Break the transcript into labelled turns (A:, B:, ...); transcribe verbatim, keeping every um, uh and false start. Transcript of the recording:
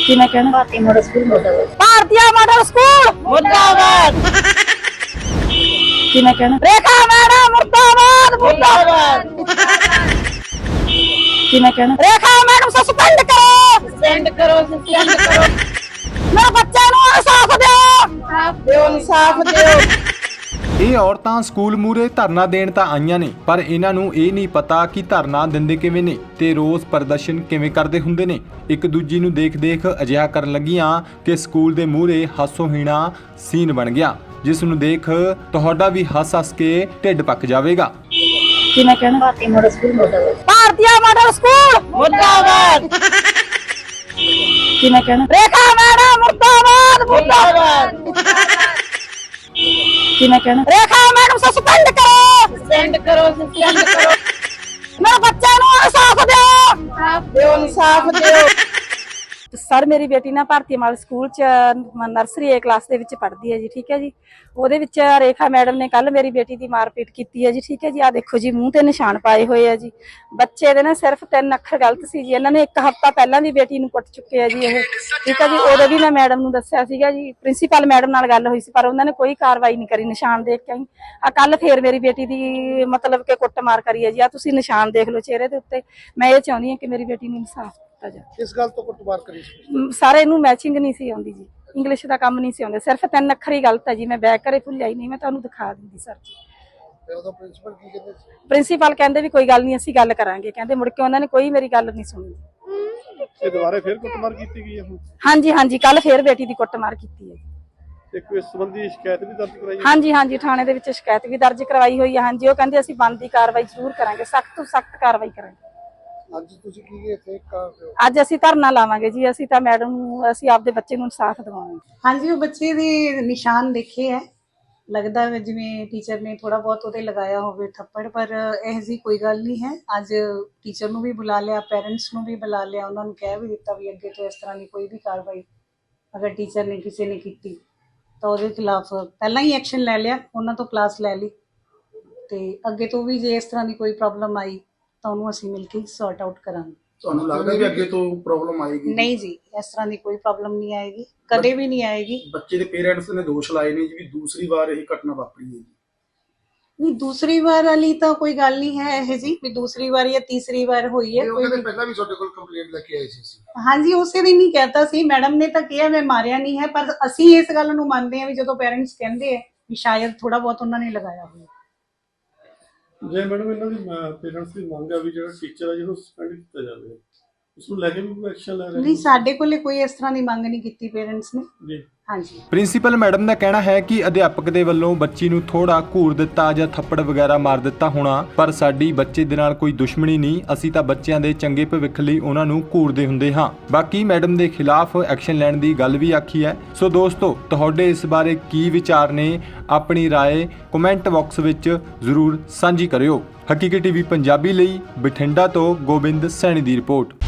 A: ਕਿਵੇਂ ਕਹਿਣਾ?
B: ਭਾਰਤੀ model school ਮੁਰਦਾਬਾਦ।
A: ਭਾਰਤੀ ਮਾਡਲ ਸਕੂਲ ਮੁਰਦਾਬਾਦ। ਕਿਵੇਂ ਕਹਿਣਾ? ਰੇਖਾ ਮੈਡਮ ਮੁਰਦਾਬਾਦ ਮੁਰਦਾਬਾਦ। ਕਿਵੇਂ ਕਹਿਣਾ? ਰੇਖਾ ਮੈਡਮ ਸਸਪੈਂਡ ਕਰੋ ਸਸਪੈਂਡ ਕਰੋ ਸਸਪੈਂਡ ਕਰੋ। ਮੇਰੇ ਬੱਚਿਆਂ ਨੂੰ ਇਨਸਾਫ ਦਿਓ ਦਿਓ ਇਨਸਾਫ ਦਿਓ।
C: ਇਹ ਔਰਤਾਂ ਸਕੂਲ ਮੂਹਰੇ ਧਰਨਾ ਦੇਣ ਤਾਂ ਆਈਆਂ ਨੇ, ਪਰ ਇਹਨਾਂ ਨੂੰ ਇਹ ਨਹੀਂ ਪਤਾ ਕਿ ਧਰਨਾ ਦਿੰਦੇ ਕਿਵੇਂ ਨੇ ਤੇ ਰੋਸ ਪ੍ਰਦਰਸ਼ਨ ਕਿਵੇਂ ਕਰਦੇ ਹੁੰਦੇ ਨੇ। ਇੱਕ ਦੂਜੀ ਨੂੰ ਦੇਖ ਦੇਖ ਅਜਿਹਾ ਕਰਨ ਲੱਗੀਆਂ ਕਿ ਸਕੂਲ ਦੇ ਮੂਹਰੇ ਹਾਸੋਹੀਣਾ ਸੀਨ ਬਣ ਗਿਆ, ਜਿਸ ਨੂੰ ਦੇਖ ਤੁਹਾਡਾ ਵੀ ਹੱਸ-ਹੱਸ ਕੇ ਢਿੱਡ ਪੱਕ ਜਾਵੇਗਾ।
A: ਕਿਵੇਂ ਕਹਿਣਾ?
B: ਭਾਰਤੀ ਮੋਡਲ ਸਕੂਲ ਮੁਰਦਾਬਾਦ।
A: ਭਾਰਤੀ ਮਾਡਲ ਸਕੂਲ ਮੁਰਦਾਬਾਦ। ਕਿਵੇਂ ਕਹਿਣਾ? ਰੇਖਾ ਮੈਡਮ ਮੁਰਦਾਬਾਦ ਮੁਰਦਾਬਾਦ। ਕਿਵੇਂ ਕਹਿਣਾ? ਰੇਖਾ ਮੈਡਮ ਸਸਪੈਂਡ ਕਰੋ ਸਸਪੈਂਡ ਕਰੋ ਸਸਪੈਂਡ ਕਰੋ। ਮੇਰੇ ਬੱਚਿਆਂ ਨੂੰ ਇਨਸਾਫ ਦਿਓ ਦਿਓ ਇਨਸਾਫ ਦਿਓ। ਸਰ ਮੇਰੀ ਬੇਟੀ ਨਾ ਭਾਰਤੀ ਮਾਡਲ ਸਕੂਲ ਚ ਨਰਸਰੀ ਏ ਕਲਾਸ ਦੇ ਵਿੱਚ ਪੜ੍ਹਦੀ ਹੈ ਜੀ, ਠੀਕ ਹੈ ਜੀ। ਉਹਦੇ ਵਿੱਚ ਰੇਖਾ ਮੈਡਮ ਨੇ ਕੱਲ ਮੇਰੀ ਬੇਟੀ ਦੀ ਮਾਰਪੀਟ ਕੀਤੀ ਹੈ ਜੀ, ਠੀਕ ਹੈ ਜੀ। ਆ ਦੇਖੋ ਜੀ ਮੂੰਹ ਤੇ ਨਿਸ਼ਾਨ ਪਾਏ ਹੋਏ ਆ ਜੀ। ਬੱਚੇ ਦੇ ਨਾ ਸਿਰਫ ਤਿੰਨ ਅੱਖਰ ਗਲਤ ਸੀ ਜੀ। ਇਹਨਾਂ ਨੇ ਇੱਕ ਹਫ਼ਤਾ ਪਹਿਲਾਂ ਵੀ ਬੇਟੀ ਨੂੰ ਕੁੱਟ ਚੁੱਕੇ ਆ ਜੀ ਇਹ, ਠੀਕ ਹੈ ਜੀ। ਉਦੋਂ ਵੀ ਮੈਂ ਮੈਡਮ ਨੂੰ ਦੱਸਿਆ ਸੀਗਾ ਜੀ, ਪ੍ਰਿੰਸੀਪਲ ਮੈਡਮ ਨਾਲ ਗੱਲ ਹੋਈ ਸੀ, ਪਰ ਉਹਨਾਂ ਨੇ ਕੋਈ ਕਾਰਵਾਈ ਨਹੀਂ ਕਰੀ। ਨਿਸ਼ਾਨ ਦੇਖ ਕੇ ਆਈ ਆ ਕੱਲ ਫੇਰ ਮੇਰੀ ਬੇਟੀ ਦੀ ਮਤਲਬ ਕਿ ਕੁੱਟਮਾਰ ਕਰੀ ਹੈ ਜੀ। ਆ ਤੁਸੀਂ ਨਿਸ਼ਾਨ ਦੇਖ ਲਓ ਚਿਹਰੇ ਦੇ ਉੱਤੇ। ਮੈਂ ਇਹ ਚਾਹੁੰਦੀ ਹਾਂ ਕਿ ਮੇਰੀ ਬੇਟੀ ਨੂੰ ਇਨਸਾਫ ਦਿੱਤਾ ਜਾਵੇ।
D: ਇਸ ਗੱਲ ਤੋਂ ਕੁੱਟਮਾਰ ਕਰੀ ਸੀ?
A: ਸਾਰੇ ਇਹਨੂੰ ਮੈਚਿੰਗ ਨਹੀਂ ਸੀ ਆਉਂਦੀ ਜੀ, ਇੰਗਲਿਸ਼ ਦਾ ਕੰਮ ਨਹੀਂ ਸੀ ਆਉਂਦਾ, ਸਿਰਫ ਤਿੰਨ ਅੱਖਰ ਹੀ ਗਲਤ ਹੈ ਜੀ। ਮੈਂ ਬੈਕ ਘਰੇ ਭੁੱਲਿਆ ਹੀ ਨਹੀਂ, ਮੈਂ ਤੁਹਾਨੂੰ ਦਿਖਾ ਦਿੰਦੀ ਸਰ ਜੀ।
D: ਤੇ ਉਹਦਾ ਪ੍ਰਿੰਸੀਪਲ ਕੀ ਕਹਿੰਦੇ ਸੀ?
A: ਪ੍ਰਿੰਸੀਪਲ ਕਹਿੰਦੇ ਵੀ ਕੋਈ ਗੱਲ ਨਹੀਂ ਅਸੀਂ ਗੱਲ ਕਰਾਂਗੇ, ਕਹਿੰਦੇ। ਮੁੜ ਕੇ ਉਹਨਾਂ ਨੇ ਕੋਈ ਮੇਰੀ ਗੱਲ ਨਹੀਂ ਸੁਣੀ।
D: ਤੇ ਦੁਬਾਰਾ ਫਿਰ ਕੁੱਟਮਾਰ ਕੀਤੀ ਗਈ ਹੈ ਹੁਣ?
A: ਹਾਂਜੀ ਹਾਂਜੀ ਕੱਲ ਫੇਰ ਬੇਟੀ ਦੀ ਕੁੱਟਮਾਰ ਕੀਤੀ ਹੈ।
D: ਤੇ ਕੋਈ ਇਸ ਸੰਬੰਧੀ ਸ਼ਿਕਾਇਤ ਵੀ ਦਰਜ ਕਰਾਈ ਹੈ?
A: ਹਾਂਜੀ ਹਾਂਜੀ ਥਾਣੇ ਦੇ ਵਿੱਚ ਸ਼ਿਕਾਇਤ ਵੀ ਦਰਜ ਕਰਵਾਈ ਹੋਈ ਹੈ। ਹਾਂਜੀ ਉਹ ਕਹਿੰਦੇ ਅਸੀਂ ਬਣਦੀ ਕਾਰਵਾਈ ਜ਼ਰੂਰ ਕਰਾਂਗੇ, ਸਖਤ ਤੋਂ ਸਖਤ ਕਾਰਵਾਈ ਕਰਾਂਗੇ।
D: ਅੱਜ ਤੁਸੀਂ ਕੀ ਇੱਥੇ ਕਰ ਰਹੇ ਹੋ?
A: ਅੱਜ ਅਸੀਂ ਧਰਨਾ ਲਾਵਾਂਗੇ ਜੀ। ਅਸੀਂ ਤਾਂ ਮੈਡਮ ਨੂੰ ਅਸੀਂ ਆਪਦੇ ਬੱਚੇ ਨੂੰ ਇਨਸਾਫ ਦਿਵਾਵਾਂਗੇ।
E: ਹਾਂਜੀ ਉਹ ਬੱਚੇ ਦੇ ਨਿਸ਼ਾਨ ਦੇਖੇ ਹੈ, ਲੱਗਦਾ ਹੈ ਜਿਵੇਂ ਟੀਚਰ ਨੇ ਥੋੜਾ ਬਹੁਤ ਉਹਦੇ ਲਗਾਇਆ ਹੋਵੇ ਥੱਪੜ, ਪਰ ਇਹ ਜੀ ਕੋਈ ਗੱਲ ਨਹੀਂ ਹੈ। ਅੱਜ ਟੀਚਰ ਨੂੰ ਵੀ ਬੁਲਾ ਲਿਆ, ਪੈਰੈਂਟਸ ਨੂੰ ਵੀ ਬੁਲਾ ਲਿਆ, ਉਹਨਾਂ ਨੂੰ ਕਹਿ ਵੀ ਦਿੱਤਾ ਵੀ ਅੱਗੇ ਤੋਂ ਇਸ ਤਰ੍ਹਾਂ ਦੀ ਕੋਈ ਵੀ ਕਾਰਵਾਈ ਅਗਰ ਟੀਚਰ ਨੇ ਕਿਸੇ ਨੇ ਕੀਤੀ ਤਾਂ ਉਹਦੇ ਖਿਲਾਫ ਪਹਿਲਾਂ ਹੀ ਐਕਸ਼ਨ ਲੈ ਲਿਆ, ਉਹਨਾਂ ਤੋਂ ਕਲਾਸ ਲੈ ਲਈ। ਤੇ ਅੱਗੇ ਤੋਂ ਵੀ ਜੇ ਇਸ ਤਰ੍ਹਾਂ ਦੀ ਕੋਈ ਪ੍ਰੋਬਲਮ ਆਈ ਤਾਂ ਉਹਨੂੰ ਅਸੀਂ ਮਿਲ ਕੇ ਸੌਰਟ ਆਊਟ ਕਰਾਂਗੇ।
D: ਤੁਹਾਨੂੰ ਲੱਗਦਾ ਵੀ ਅੱਗੇ ਤੋਂ ਪ੍ਰੋਬਲਮ ਆਏਗੀ?
E: ਨਹੀਂ ਜੀ, ਇਸ ਤਰ੍ਹਾਂ ਦੀ ਕੋਈ ਪ੍ਰੋਬਲਮ ਨਹੀਂ ਆਏਗੀ, ਕਦੇ ਵੀ ਨਹੀਂ ਆਏਗੀ।
D: ਬੱਚੇ ਦੇ ਪੇਰੈਂਟਸ ਨੇ ਦੋਸ਼ ਲਾਏ ਨੇ ਜੀ ਵੀ ਦੂਸਰੀ ਵਾਰ ਇਹ ਘਟਨਾ ਵਾਪਰੀ ਹੈ ਜੀ।
E: ਨਹੀਂ ਦੂਸਰੀ ਵਾਰ ਵਾਲੀ ਤਾਂ ਕੋਈ ਗੱਲ ਨਹੀਂ ਹੈ ਇਹ ਜੀ ਵੀ ਦੂਸਰੀ ਵਾਰ ਜਾਂ ਤੀਸਰੀ ਵਾਰ ਹੋਈ ਹੈ।
D: ਉਹ ਕਹਿੰਦੇ ਪਹਿਲਾਂ ਵੀ ਤੁਹਾਡੇ ਕੋਲ ਕੰਪਲੇਂਟ ਲੈ ਕੇ ਆਏ ਸੀ।
E: ਹਾਂਜੀ ਉਸੇ ਦਿਨ ਹੀ ਕਹਿਤਾ ਸੀ, ਮੈਡਮ ਨੇ ਤਾਂ ਕਿਹਾ ਮੈਂ ਮਾਰਿਆ ਨਹੀਂ ਹੈ, ਪਰ ਅਸੀਂ ਇਸ ਗੱਲ ਨੂੰ ਮੰਨਦੇ ਹਾਂ ਵੀ ਜਦੋਂ ਪੇਰੈਂਟਸ ਕਹਿੰਦੇ ਆ ਵੀ ਸ਼ਾਇਦ ਥੋੜਾ ਬਹੁਤ ਉਹਨਾਂ ਨੇ ਲਗਾਇਆ ਹੋਇਆ।
D: ਜੇ ਮੈਡਮ ਇਹਨਾਂ ਦੀ ਪੇਰੈਂਟਸ ਦੀ ਮੰਗ ਆ ਵੀ ਜਿਹੜਾ ਟੀਚਰ ਆ ਜਿਹਨੂੰ ਸਸਪੈਂਡ ਕੀਤਾ ਜਾਵੇ, ਉਸ ਨੂੰ ਲੈ ਕੇ ਵੀ ਕੋਈ ਐਕਸ਼ਨ ਲੈ ਰਹੇ?
E: ਨਹੀਂ ਸਾਡੇ ਕੋਲੇ ਕੋਈ ਇਸ ਤਰ੍ਹਾਂ ਦੀ ਮੰਗ ਨਹੀਂ ਕੀਤੀ ਪੇਰੈਂਟਸ ਨੇ
D: ਜੀ।
E: ਹਾਂਜੀ
C: ਪ੍ਰਿੰਸੀਪਲ ਮੈਡਮ ਦਾ ਕਹਿਣਾ ਹੈ ਕਿ ਅਧਿਆਪਕ ਦੇ ਵੱਲੋਂ ਬੱਚੀ ਨੂੰ ਥੋੜਾ ਘੂਰ ਦਿੱਤਾ ਜਾਂ ਥੱਪੜ ਵਗੈਰਾ ਮਾਰ ਦਿੱਤਾ ਹੋਣਾ, ਪਰ ਸਾਡੀ ਬੱਚੇ ਦੇ ਨਾਲ ਕੋਈ ਦੁਸ਼ਮਣੀ ਨਹੀਂ। ਅਸੀਂ ਤਾਂ ਬੱਚਿਆਂ ਦੇ ਚੰਗੇ ਭਵਿੱਖ ਲਈ ਉਹਨਾਂ ਨੂੰ ਘੂਰਦੇ ਹੁੰਦੇ ਹਾਂ। ਬਾਕੀ ਮੈਡਮ ਦੇ ਖਿਲਾਫ ਐਕਸ਼ਨ ਲੈਣ ਦੀ ਗੱਲ ਵੀ ਆਖੀ ਹੈ। ਸੋ ਦੋਸਤੋ ਤੁਹਾਡੇ ਇਸ ਬਾਰੇ ਕੀ ਵਿਚਾਰ ਨੇ? ਆਪਣੀ ਰਾਏ ਕਮੈਂਟ ਬਾਕਸ ਵਿੱਚ ਜ਼ਰੂਰ ਸਾਂਝੀ ਕਰਿਓ। ਹਕੀਕੀ ਟੀਵੀ ਪੰਜਾਬੀ ਲਈ ਬਠਿੰਡਾ ਤੋਂ ਗੋਬਿੰਦ ਸੈਣੀ ਦੀ ਰਿਪੋਰਟ।